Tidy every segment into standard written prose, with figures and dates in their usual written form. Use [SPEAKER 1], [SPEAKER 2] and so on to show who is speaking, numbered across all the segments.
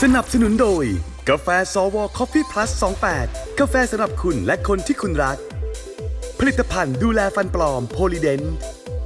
[SPEAKER 1] สนับสนุนโดยกาแฟซอวอคอฟฟี่พลัส28กาแฟสำหรับคุณและคนที่คุณรักผลิตภัณฑ์ดูแลฟันปลอมโพลีเดนต์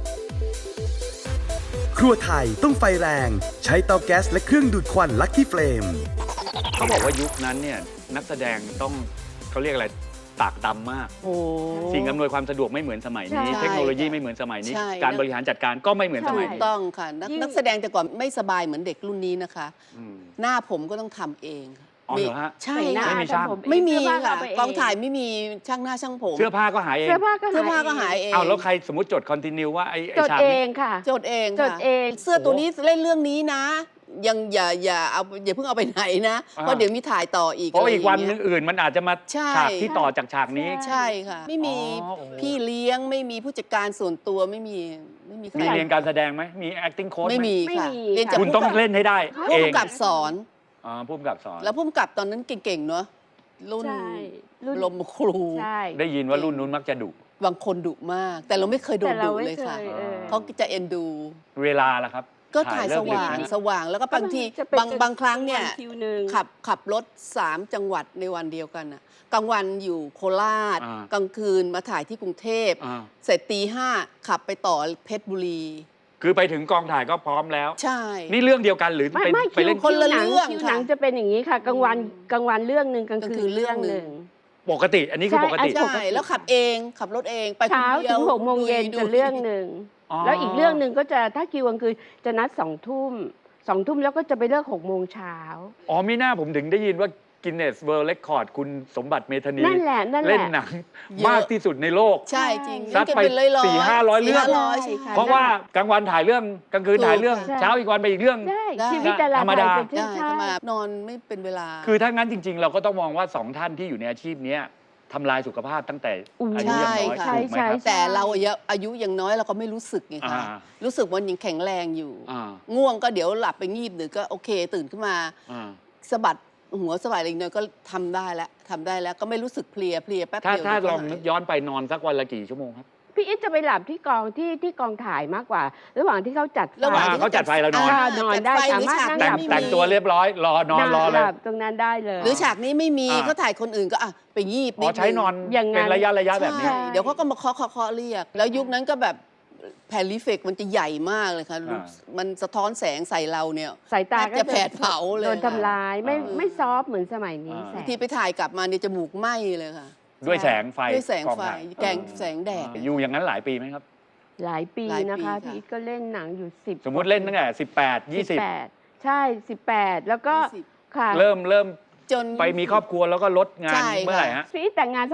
[SPEAKER 1] ครัวไทยต้องไฟแรงใช้เตาแก๊สและเครื่องดูดควันลัคกี้เฟลม
[SPEAKER 2] เขาบอกว่ายุคนั้นเนี่ยนักแสดงต้องเขาเรียกอะไรตากตำมากสิ่งอำนวยความสะดวกไม่เหมือนสมัยนี้เทคโนโลยีไม่เหมือนสมัยนี้การบริหารจัดการก็ไม่เหมือนสมัยนี้
[SPEAKER 3] ถูกต้องค่ะนักแสดงแต่ก่อนไม่สบายเหมือนเด็กรุ่นนี้นะคะหน้าผมก็ต้องทำเอง
[SPEAKER 2] อ๋อเหรอฮะ
[SPEAKER 3] ใช่
[SPEAKER 2] ไม่มีช่าง
[SPEAKER 3] ไม่มีค่ะกองถ่ายไม่มีช่างหน้าช่างผม
[SPEAKER 2] เสื้อผ้าก็หายเอง
[SPEAKER 3] เสื้อผ้าก็หายเอง
[SPEAKER 2] เอาแล้วใครสมมติจดคอนติเนียว่าไอ้
[SPEAKER 4] จด
[SPEAKER 2] ฉาก
[SPEAKER 4] เอ
[SPEAKER 2] นี้
[SPEAKER 4] งค่ะ
[SPEAKER 3] จดเอง
[SPEAKER 4] จดเอง
[SPEAKER 3] เสื้อตัวนี้เล่นเรื่องนี้นะยังอย่าเพิ่งเอาไปไหนนะเพราะเดี๋ยวมีถ่ายต่ออีก
[SPEAKER 2] เพราะอีกวันอื่นมันอาจจะมา
[SPEAKER 3] ใช่
[SPEAKER 2] ฉากที่ต่อจากฉากนี้
[SPEAKER 3] ใช่ค่ะไม่มีพี่เลี้ยงไม่มีผู้จัดการส่วนตัวไม่มีใคร
[SPEAKER 2] มีเรียนการแสดงไหมมี acting coach
[SPEAKER 3] ไม่มีค่ะเรียนจาก
[SPEAKER 2] คุณต้องเล่นให้ได้เอง
[SPEAKER 3] ผู้กำกับสอน
[SPEAKER 2] ผู้กำกับสอน
[SPEAKER 3] แล้วผู้กำกับตอนนั้นเก่งๆเนาะรุ่นลมครู
[SPEAKER 2] ได้ยินว่ารุ่นนู้นมักจะดุ
[SPEAKER 3] บางคนดุมากแต่เราไม่เคยโดนดุเลยค่ะเขาจะเอ็นดู
[SPEAKER 2] เวลาล่ะครับ
[SPEAKER 3] ก็ถ่ายสว่างแล้วก็บางทีบางครั้งเนี่ยขับรถ3จังหวัดในวันเดียวกันน่ะกลางวันอยู่โคราชกลางคืนมาถ่ายที่กรุงเทพเสร็จตี5ขับไปต่อเพชรบุรี
[SPEAKER 2] คือไปถึงกองถ่ายก็พร้อมแล้ว
[SPEAKER 3] ใช่
[SPEAKER 2] นี่เรื่องเดียวกันหรือไปเล่น
[SPEAKER 3] คนละเรื่อง
[SPEAKER 4] หนังจะเป็นอย่างนี้ค่ะกลางวันเรื่องหนึ่งกลางคืนเรื่องหนึ่ง
[SPEAKER 2] ปกติอันนี้คือปกติ
[SPEAKER 3] ใช่แล้วขับรถเองไป
[SPEAKER 4] เช้าถึง6 โมงเย็นจะเรื่องหนึ่งแล้วอีกเรื่องหนึ่งก็จะถ้าคิวกลางคืนจะนัด2 ทุ่มแล้วก็จะไปเลิก6 โมงเช้า
[SPEAKER 2] อ๋อไม่น่าผมถึงได้ยินว่ากินเนสเวิลด์เรคคอร์ดคุณสมบัติเมธานี
[SPEAKER 4] นั่นแหละ
[SPEAKER 2] เล่นหนังมากที่สุดในโลก
[SPEAKER 3] ใช่จริง
[SPEAKER 2] ซัดไป400-500 เรื่องเพราะว่ากลางวันถ่ายเรื่องกลางคืนถ่ายเรื่องเช้าอีกวันไปอีกเรื่อง
[SPEAKER 4] ชีวิตธรรมด
[SPEAKER 3] านอนไม่เป็นเวลา
[SPEAKER 2] คือถ้างั้นจริงๆเราก็ต้องมองว่า2ท่านที่อยู่ในอาชีพนี้ทำลายสุขภาพตั้งแต่อายุยังน้อยถูกไหมครับ
[SPEAKER 3] แต่เราอายุยังน้อยเราก็ไม่รู้สึกไงคะรู้สึกว่ายังแข็งแรงอยู่ง่วงก็เดี๋ยวหลับไปงีบหรือก็โอเคตื่นขึ้นมาสะบัดหัวสบายอะไรหน่อยก็ทำได้แล้วก็ไม่รู้สึกเพลียแป๊บเดียว
[SPEAKER 2] ถ้าลองนึกย้อนไปนอนสักวันละกี่ชั่วโมงครับ
[SPEAKER 4] พี่อิทจะไปหลับที่กองที่กองถ่ายมากกว่าระหว่างที่เขาจัด
[SPEAKER 2] เขาจัดไฟเราน
[SPEAKER 4] อนได้สามารถ
[SPEAKER 2] แต่งตัวเรียบร้อยรเลย
[SPEAKER 4] ตรงนั้นได้เลย
[SPEAKER 3] หรือฉากนี้ไม่มีเขาถ่ายคนอื่นก็ไปงีบ
[SPEAKER 2] ใช้นอนเป็นระยะแบบนี้
[SPEAKER 3] เดี๋ยวเขาก็มาเคาะเรียกแล้วยุคนั้นก็แบบแผ่นรีเฟกมันจะใหญ่มากเลยค่ะมันสะท้อนแสงใส่เราเนี่ย
[SPEAKER 4] สายตา
[SPEAKER 3] จะแผดเผาเลย
[SPEAKER 4] โดนทำลายไม่ซอฟเหมือนสมัยนี้
[SPEAKER 3] ที่ไปถ่ายกลับมาเนี่ยจมูกไหม้เลยค่ะ
[SPEAKER 2] ด้วยแสงไฟ
[SPEAKER 3] แกงแสงแดด
[SPEAKER 2] อยู่อย่างนั้นหลายปีไหมครับ
[SPEAKER 4] หลายปีนะคะพี่อิทก็เล่นหนังอยู่10
[SPEAKER 2] สมมติเล่นตั้งแต่18 20
[SPEAKER 4] ใช่18แล้วก็ค่ะ
[SPEAKER 2] เริ่มจนไปมีครอบครัวแล้วก็ลดงานเมื่อไหร่ฮะ
[SPEAKER 4] พี่อิทแต่งงาน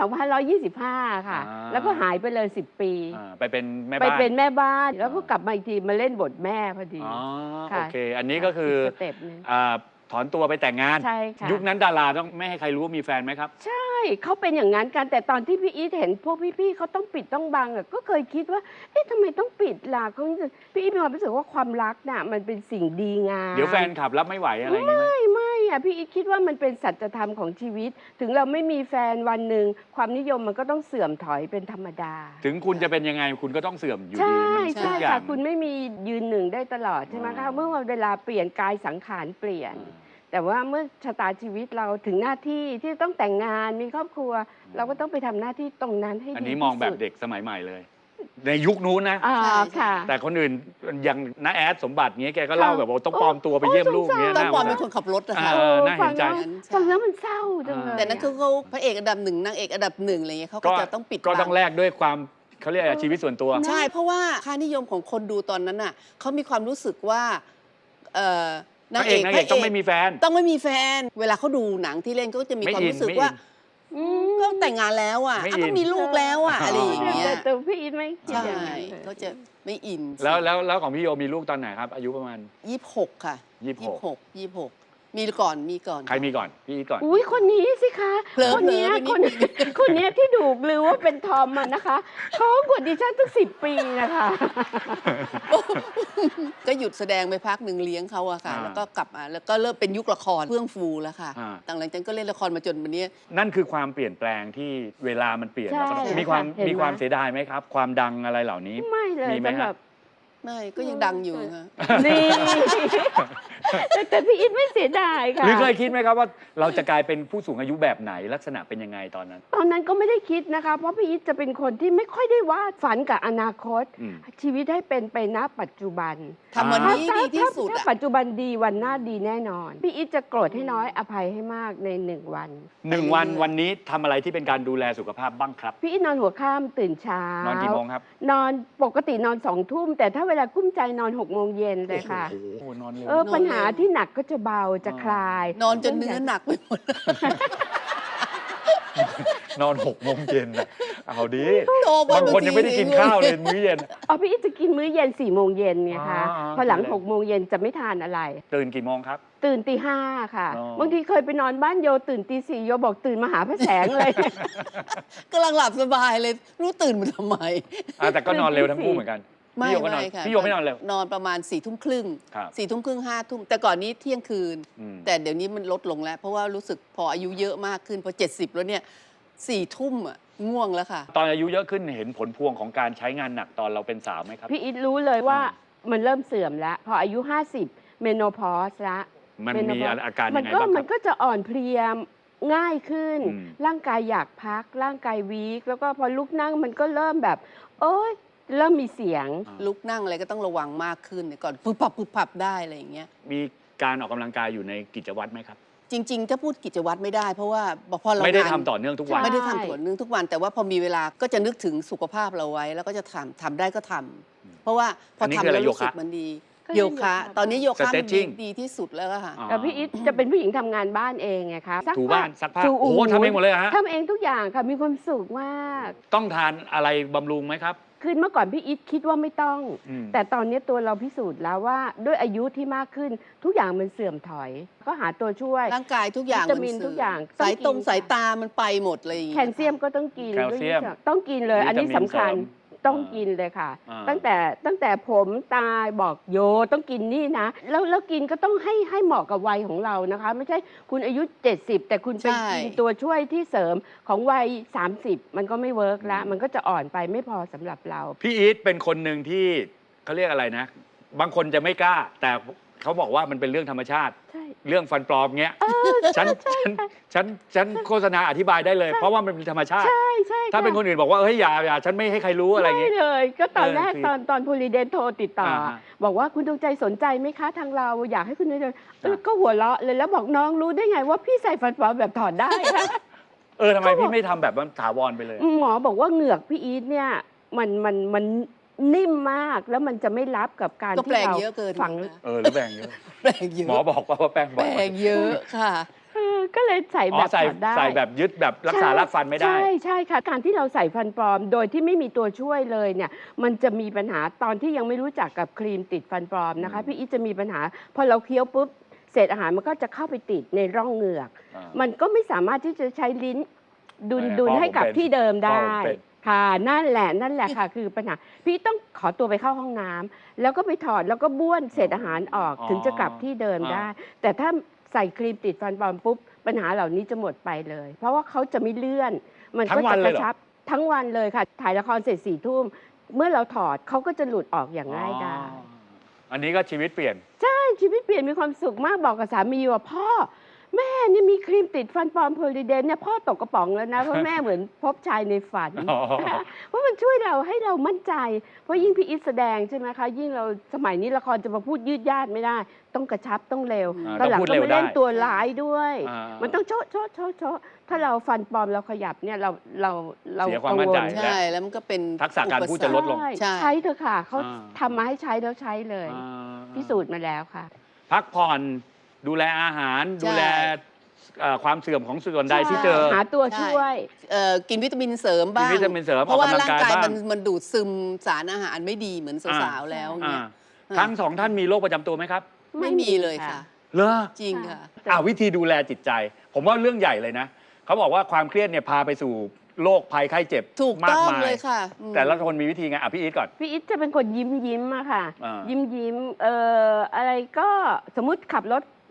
[SPEAKER 4] 2525ค่ะแล้วก็หายไปเลย10 ปี
[SPEAKER 2] ไปเป็นแม่บ้าน
[SPEAKER 4] แล้วก็กลับมาอีกทีมาเล่นบทแม่พอดี
[SPEAKER 2] โอเคอันนี้ก็คือถอนตัวไปแต่งงานยุคนั้นดาราต้องไม่ให้ใครรู้ว่ามีแฟนไหมครับ
[SPEAKER 4] ใช่เขาเป็นอย่างนั้นกันแต่ตอนที่พี่อีทเห็นพวกพี่ๆเขาต้องปิดต้องบังก็เคยคิดว่าเอ๊ะทำไมต้องปิดล่ะพี่อีทมีความรู้สึกว่าความรักน่ะมันเป็นสิ่งดีงาม
[SPEAKER 2] เดี๋ยวแฟนขับรับไม่ไหวอะไรอย่างนี้
[SPEAKER 4] ไม่อะพี่อีทคิดว่ามันเป็นสัจธรรมของชีวิตถึงเราไม่มีแฟนวันหนึ่งความนิยมมันก็ต้องเสื่อมถอยเป็นธรรมดา
[SPEAKER 2] ถึงคุณจะเป็นยังไงคุณก็ต้องเสื่อมอยู่
[SPEAKER 4] ดีใช่ค่ะคุณไม่มียืนหนึ่งได้ตลอดใช่ไหมคะเมื่อเวลาเปลี่ยนกายสังขารเปลี่ยนแต่ว่าเมื่อชะตาชีวิตเราถึงหน้าที่ที่ต้องแต่งงานมีครอบครัวเราก็ต้องไปทำหน้าที่ตรงนั้นให้ดีที่สุด
[SPEAKER 2] อันนี้มองแบบเด็กสมัยใหม่เลยในยุคนู้นนะแต่คนอื่นอย่างน้าแอดสมบัติเงี้ยแกก็เล่าแบบว่าต้องปลอมตัวไปเยี่ยมลูกเงี้ย
[SPEAKER 3] ต้องปลอมเป็นคนขับรถนะคะ
[SPEAKER 2] น่าเห็นใจ
[SPEAKER 4] ฟังแล้วมันเศร้าจังเลย
[SPEAKER 3] แต่นั่นคือเขาพระเอกอันดับ1นางเอกอันดับ1อะไรเงี้ยเขาก็จะต้องปิด
[SPEAKER 2] ก็ต้องแลกด้วยความเขาเรียกชีวิตส่วนตัว
[SPEAKER 3] ใช่เพราะว่าค่านิยมของคนดูตอนนั้นน่ะเขามีความรู้สึกว่านางเอก
[SPEAKER 2] ต้องไม่มีแฟน
[SPEAKER 3] เวลาเขาดูหนังที่เล่นก็จะมีความรู้สึกว่าก็แต่งงานแล้วอ่ะก็มีลูกแล้วอ่ะอะไรอย่างเงี้ย
[SPEAKER 4] แต่พี่อินไม่
[SPEAKER 3] ใช่เขาจะไม่อิน
[SPEAKER 2] แล้วของพี่โยมีลูกตอนไหนครับอายุประมาณ
[SPEAKER 3] 26ค่ะ26มีก่อน
[SPEAKER 2] ใครมีก่อนพี่ก่อน
[SPEAKER 4] อุ้ยคนนี้สิคะคนนี้ที่ดูหรือว่าเป็นทอมมันนะคะเขากว่าดิฉันตั้ง10 ปีนะคะ
[SPEAKER 3] ก็หยุดแสดงไปพักหนึ่งเลี้ยงเขาอะค่ะแล้วก็กลับมาแล้วก็เริ่มเป็นยุคละครเฟื่องฟูแล้วค่ะหลังจากนั้นก็เล่นละครมาจนวันนี้
[SPEAKER 2] นั่นคือความเปลี่ยนแปลงที่เวลามันเปลี่ยนมีความเสียดายไหมครับความดังอะไรเหล่านี้
[SPEAKER 4] ไม่เลยสำหรับ
[SPEAKER 3] ไม่ก็ยังดังอยู่ค่ะ
[SPEAKER 4] นี่ แต่พี่อิทไม่เสียดายค่ะ
[SPEAKER 2] หรือเคยคิดไหมครับว่าเราจะกลายเป็นผู้สูงอายุแบบไหนลักษณะเป็นยังไงตอนนั้น
[SPEAKER 4] ตอนนั้นก็ไม่ได้คิดนะคะ เพราะพี่อิทจะเป็นคนที่ไม่ค่อยได้วาดฝันกับอนาคต ชีวิตให้เป็นไปณปัจจุบัน
[SPEAKER 3] ทำวันนี้ดีที่สุด
[SPEAKER 4] ถ้า
[SPEAKER 3] อะ
[SPEAKER 4] ปัจจุบันดีวันหน้าดีแน่นอน พี่อิทจะโกรธให้น้อยอภัยให้มากใน1 วัน
[SPEAKER 2] วันนี้ทำอะไรที่เป็นการดูแลสุขภาพบ้างครับ
[SPEAKER 4] พี่อิทนอนหัวค่ำตื่นเช้าน
[SPEAKER 2] อนกี่โมงครับ
[SPEAKER 4] นอนปกตินอน2 ทุ่ม แต่ถ้าเวลากุ้มใจนอน6 โมงเย็นเลยค่ะ
[SPEAKER 2] โอ้โหนอนเร็ว
[SPEAKER 4] ปัญหาที่หนักก็จะเบาจะคลาย
[SPEAKER 3] นอนจนเนื้อหนักไปหมด
[SPEAKER 2] นอน6 โมงเย็นนะเอาดิ
[SPEAKER 3] โตไป
[SPEAKER 2] บางคนยังไม่ได้กินข้าวเลยมื้อเย็น
[SPEAKER 4] พี่อิทจะกินมื้อเย็น4 โมงเย็นไงคะ
[SPEAKER 2] อ๋อ
[SPEAKER 4] พอหลัง6 โมงเย็นจะไม่ทานอะไร
[SPEAKER 2] ตื่นกี่โมงครับ
[SPEAKER 4] ตื่นตี 5ค่ะ
[SPEAKER 2] อ๋อ
[SPEAKER 4] บางทีเคยไปนอนบ้านโยตื่นตี 4โยบอกตื่นมาหาพระแสงเลย
[SPEAKER 3] กำลังหลับสบายเลยรู้ตื่นมาทำไม
[SPEAKER 2] แต่ก็นอนเร็วทั้งคู่เหมือนกัน
[SPEAKER 3] ไม่
[SPEAKER 2] พี่โยก็นอน
[SPEAKER 3] ไม่ค่ะ
[SPEAKER 2] พี่โยไม่นอนเร็วน
[SPEAKER 3] อนประมาณ4 ทุ่มครึ่ง
[SPEAKER 2] ครับ
[SPEAKER 3] 4 ทุ่มครึ่ง5 ทุ่มแต่ก่อนนี้เที่ยงคืน
[SPEAKER 2] อืม
[SPEAKER 3] แต่เดี๋ยวนี้มันลดลงแล้ว เพราะว่ารู้สึกพออายุเยอะมากขึ้นพอ70แล้วเนี่ย4 ทุ่มอะง่วงแล้วค่ะ
[SPEAKER 2] ตอนอายุเยอะขึ้นเห็นผลพวงของการใช้งานหนักตอนเราเป็นสาวไหมครับ
[SPEAKER 4] พี่อิทรู้เลยว่ามันเริ่มเสื่อมแล้ว พออายุ 50 เมโนพอสละ
[SPEAKER 2] มันมีอาการ
[SPEAKER 4] มั
[SPEAKER 2] ยังไง
[SPEAKER 4] ก็
[SPEAKER 2] บ้างค
[SPEAKER 4] มั
[SPEAKER 2] รั
[SPEAKER 4] น
[SPEAKER 2] บ
[SPEAKER 4] ก็จะอ่อนเพลียง่ายขึ้น
[SPEAKER 2] อืม
[SPEAKER 4] ร่างกายอยากพัก ร่างกายวีคแล้วก็พอลุกนั่งมันก็เริ่มแบบ โอ๊ยเริ่มมีเสียง
[SPEAKER 3] ลุกนั่งอะไรก็ต้องระวังมากขึ้นก่อนปุ๊บปับปุ๊บปับได้อะไรอย่างเงี้ย
[SPEAKER 2] มีการออกกำลังกายอยู่ในกิจวัตรไหมครับ
[SPEAKER 3] จริงๆถ้าพูดกิจวัตรไม่ได้ เพราะว่าพอเรา
[SPEAKER 2] ไม่ได้
[SPEAKER 3] งาน
[SPEAKER 2] ทำต่อเนื่องทุกวัน
[SPEAKER 4] ใช่
[SPEAKER 3] ไม่ได้ทำต่อเนื่องทุกวัน แต่ว่าพอมีเวลาก็จะนึกถึงสุขภาพเราไว้ แล้วก็จะทำได้ก็ทำเพราะว่าพอ
[SPEAKER 2] อันนี้
[SPEAKER 3] ทำ
[SPEAKER 2] คืออะไร
[SPEAKER 3] แล้วรู้สึก
[SPEAKER 2] โยคะ
[SPEAKER 3] มันดี
[SPEAKER 4] ก็
[SPEAKER 3] โย
[SPEAKER 4] โย
[SPEAKER 3] คะ
[SPEAKER 4] คะ
[SPEAKER 3] ตอนนี้โยคะมัน
[SPEAKER 2] Stretching
[SPEAKER 3] ดีที่สุดแล้วอะค่ะ
[SPEAKER 2] อ๋อ
[SPEAKER 4] แต่พี่อิทจะเป็นผู้หญิงทำงานบ้านเองไงคะ
[SPEAKER 2] ถูบ้านซักผ้า
[SPEAKER 4] ถู
[SPEAKER 2] โอ้โหทำเองหมดเลยเหรอฮะ
[SPEAKER 4] ทำเองทุกอย่างค่ะมีความสุขมาก
[SPEAKER 2] ต้องทานอะไรบำรุงไหมครับ
[SPEAKER 4] คือเมื่อก่อนพี่อิทคิดว่าไม่ต้อง
[SPEAKER 2] อืม
[SPEAKER 4] แต่ตอนนี้ตัวเราพิสูจน์แล้วว่าด้วยอายุที่มากขึ้นทุกอย่างมันเสื่อมถอย ก็หาตัวช่วย
[SPEAKER 3] ร่างกายทุกอย่าง
[SPEAKER 4] วิตามิน
[SPEAKER 3] สื่
[SPEAKER 4] ทุกอย่าง
[SPEAKER 3] สาย
[SPEAKER 4] ต้องกิน
[SPEAKER 3] สายตามันไปหมดเลยอย่าง
[SPEAKER 4] แค
[SPEAKER 3] งี้
[SPEAKER 4] ลเซียมก็ต้องกิน
[SPEAKER 2] แคลเซียม
[SPEAKER 4] ต้องกินเลย อันนี้
[SPEAKER 2] วิตามิน
[SPEAKER 4] สำคัญ
[SPEAKER 2] เสริม
[SPEAKER 4] ต้องกินเลยค่ะ
[SPEAKER 2] อ่า
[SPEAKER 4] ตั้งแต่ผมตายบอกโยต้องกินนี่นะแล้วกินก็ต้องให้เหมาะกับวัยของเรานะคะ ไม่ใช่คุณอายุ 70 แต่คุณไปกินตัวช่วยที่เสริมของวัย 30 มันก็ไม่เวิร์กละมันก็จะอ่อนไปไม่พอสำหรับเรา
[SPEAKER 2] พี่อีทเป็นคนหนึ่งที่เขาเรียกอะไรนะ บางคนจะไม่กล้า แต่เขาบอกว่ามันเป็นเรื่องธรรมชาติ
[SPEAKER 4] ใช่
[SPEAKER 2] เรื่องฟันปลอมเงี้ยฉันโฆษณาอธิบายได้เลย เพราะว่ามันเป็นธรรมชาติ
[SPEAKER 4] ใช่ใช่
[SPEAKER 2] ถ้าเป็น
[SPEAKER 4] ค่ะ
[SPEAKER 2] คนอื่นบอกว่าเฮ้ยอย่าฉันไม่ให้ใครรู้อะไร
[SPEAKER 4] ไม่
[SPEAKER 2] เงี้ย
[SPEAKER 4] เลย ก็ตอนแรก
[SPEAKER 2] คือ
[SPEAKER 4] ตอนโพลีเดนโทรติดต่อ
[SPEAKER 2] ฮะ
[SPEAKER 4] บอกว่าคุณดวงใจสนใจไหมคะทางเราอยากให้คุณดวงใจ
[SPEAKER 2] อ่า
[SPEAKER 4] ก็หัวเราะเลยแล้วบอกน้องรู้ได้ไงว่าพี่ใส่ฟันปลอมแบบถอดได้คะ
[SPEAKER 2] ทำไมพี่ไม่ทำแบบว่าถาวรไปเลย
[SPEAKER 4] หมอบอกว่าเหงือกพี่อีทเนี่ยมันนิ่มมากแล้วมันจะไม่รับกับการ
[SPEAKER 3] ก็แปล
[SPEAKER 4] ที่
[SPEAKER 3] ง
[SPEAKER 4] เรา
[SPEAKER 3] เยอะเกิน
[SPEAKER 4] ฝัง
[SPEAKER 3] นะ
[SPEAKER 2] หรือแบ่งเยอะ
[SPEAKER 3] แปลงเยอะ
[SPEAKER 2] หมอบอกว่าแป้ง
[SPEAKER 3] แป
[SPEAKER 2] บ่
[SPEAKER 3] ล
[SPEAKER 2] อย
[SPEAKER 3] งเยอะค่ะ
[SPEAKER 4] ก็เลยใส่แบบ
[SPEAKER 2] ใส่
[SPEAKER 4] ถอดได้
[SPEAKER 2] ใส่แบบยึดแบบรักษารากฟันไม่ได้
[SPEAKER 4] ใช่ค่ะการที่เราใส่ฟันปลอมโดยที่ไม่มีตัวช่วยเลยเนี่ยมันจะมีปัญหาตอนที่ยังไม่รู้จักกับครีมติดฟันปลอมนะคะ
[SPEAKER 2] อืม
[SPEAKER 4] พี่อีทจะมีปัญหาพอเราเคี้ยวปุ๊บเศษอาหารมันก็จะเข้าไปติดในร่องเหงือก มันก็ไม่สามารถที่จะใช้ลิ้นดุลให้กับที่เดิมได้ค่ะนั่นแหละค่ะ คือปัญหาพี่ต้องขอตัวไปเข้าห้องน้ำแล้วก็ไปถอดแล้วก็บ้วนเศษอาหารออกถึงจะกลับที่เดิมได้ แต่ถ้าใส่ครีมติดฟันปลอมปุ๊บปัญหาเหล่านี้จะหมดไปเลย เพราะว่าเขาจะไม่เลื่อน มันก็จะกระชับทั้งวันเลยค่ะถ่ายละครเสร็จ4 ทุ่มเมื่อเราถอดเขาก็จะหลุดออกอย่างง่ายดาย
[SPEAKER 2] อันนี้ก็ชีวิตเปลี่ยน
[SPEAKER 4] ชีวิตเปลี่ยนมีความสุขมากบอกกับสามีว่าพ่อแม่นี่มีครีมติดฟันปลอมโพลีเดนเนี่ยพ่อตกกระป๋องแล้วนะ เพราะแม่เหมือนพบชายในฝัน
[SPEAKER 2] อ๋อ
[SPEAKER 4] เพราะมันช่วยเราให้เรามั่นใจ เพราะยิ่งพี่อิทแสดงใช่ไหมคะยิ่งเราสมัยนี้ละครจะมาพูดยืดยาดไม่ได้ ต้องกระชับต้องเร็ว
[SPEAKER 2] ต้อง
[SPEAKER 4] หลัง
[SPEAKER 2] พูด
[SPEAKER 4] ก็
[SPEAKER 2] เร็ว
[SPEAKER 4] มาเล่น
[SPEAKER 2] ได้
[SPEAKER 4] ตัวร้ายด้วย มันต้อง
[SPEAKER 2] า
[SPEAKER 4] โชะถ้าเราฟันปลอมเราขยับเนี่ยเรา
[SPEAKER 2] เสียความมั่นใจ
[SPEAKER 4] กังวล
[SPEAKER 3] ใช่แล้วมันก็เป็น
[SPEAKER 2] ทักษะการพูดจะลดลง
[SPEAKER 3] ใช่
[SPEAKER 4] ใช้เถอะค่ะเขา
[SPEAKER 2] อ่า
[SPEAKER 4] ทำมาให้ใช้แล้วใช้เลย พิสูจน์มาแล้วค่ะ
[SPEAKER 2] พักผ่อนดูแลอาหารดูแลความเสื่อมของส่วนใดที่เจอ
[SPEAKER 4] หาตัวช่วย
[SPEAKER 3] กินวิตามินเสริมบ้าง
[SPEAKER 2] กินวิตามินเสริม
[SPEAKER 3] เพราะว่า
[SPEAKER 2] ออกกำลั
[SPEAKER 3] ร่าง ง
[SPEAKER 2] กาย
[SPEAKER 3] กาย
[SPEAKER 2] บ้าง
[SPEAKER 3] มันดูดซึมสารอาหารไม่ดีเหมือนสาวๆแล้ว
[SPEAKER 2] อ่า
[SPEAKER 3] เนี่ย
[SPEAKER 2] ทั้งสองท่านมีโรคประจำตัวไหมครับ
[SPEAKER 3] ไม่มีเลยค่ะ
[SPEAKER 2] เหรอ
[SPEAKER 3] จริงค่ะ
[SPEAKER 2] วิธีดูแลจิตใจ ผมว่าเรื่องใหญ่เลยนะเขาบอกว่าความเครียดเนี่ยพาไปสู่โรคภัยไข้เจ็บ
[SPEAKER 3] ถูก
[SPEAKER 2] มา
[SPEAKER 3] ต้
[SPEAKER 2] ก
[SPEAKER 3] อง
[SPEAKER 2] มาย
[SPEAKER 3] เลยค่ะอืม
[SPEAKER 2] แต่ละคนมีวิธีไงพี่อีทก่อน
[SPEAKER 4] พี่อิทจะเป็นคนยิ้มอะค่ะ
[SPEAKER 2] อ่า
[SPEAKER 4] ยิ้มอะไรก็สมมุติขับรถ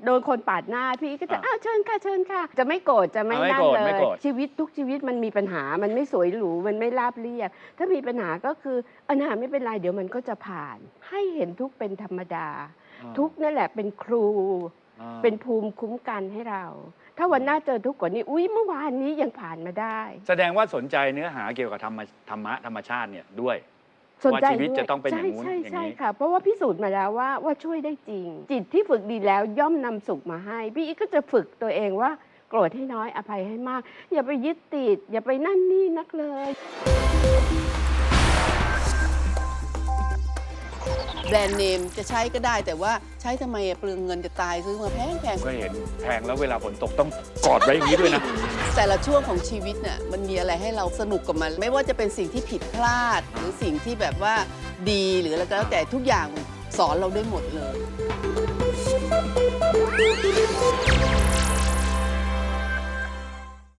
[SPEAKER 4] โดนคนปาดหน้าพี่ก็จะอ้าวเชิญค่ะเชิญค่ะจะไม่โกรธจะไม่นั่นเลย ชีวิตทุกชีวิตมันมีปัญหามันไม่สวยหรูมันไม่ราบเรียบถ้ามีปัญหาก็คือปัญหาไม่เป็นไรเดี๋ยวมันก็จะผ่านให้เห็นทุกเป็นธรรมดาทุกนั่นแหละเป็นครูเป็นภูมิคุ้มกันให้เราถ้าวันหน้าเจอทุกข์กว่านี้อุ๊ยเมื่อวานนี้ยังผ่านมาได้
[SPEAKER 2] แสดงว่าสนใจเนื้อหาเกี่ยวกับธรรมชาติเนี่ยด้วยว่าชีวิตจะต้องเป็นอย่างนู้นอย่างนี้
[SPEAKER 4] ใช่ค่ะเพราะว่าพิสูจน์มาแล้วว่าช่วยได้จริงจิตที่ฝึกดีแล้วย่อมนำสุขมาให้พี่อีกก็จะฝึกตัวเองว่าโกรธให้น้อยอภัยให้มากอย่าไปยึดติดอย่าไปนั่นนี่นักเลย
[SPEAKER 3] แบรนด์เนมจะใช้ก็ได้แต่ว่าใช้ทำไมเปลืองเงินจะตายซื้อมาแพง
[SPEAKER 2] ก็เห็นแพงแล้วเวลาฝนตกต้องกอดไว้อย่างนี้ด้วยนะ
[SPEAKER 3] แต่ละช่วงของชีวิตเนี่ยมันมีอะไรให้เราสนุกกับมันไม่ว่าจะเป็นสิ่งที่ผิดพลาดหรือสิ่งที่แบบว่าดีหรืออะไรก็แล้วแต่ทุกอย่างสอนเราได้หมดเลย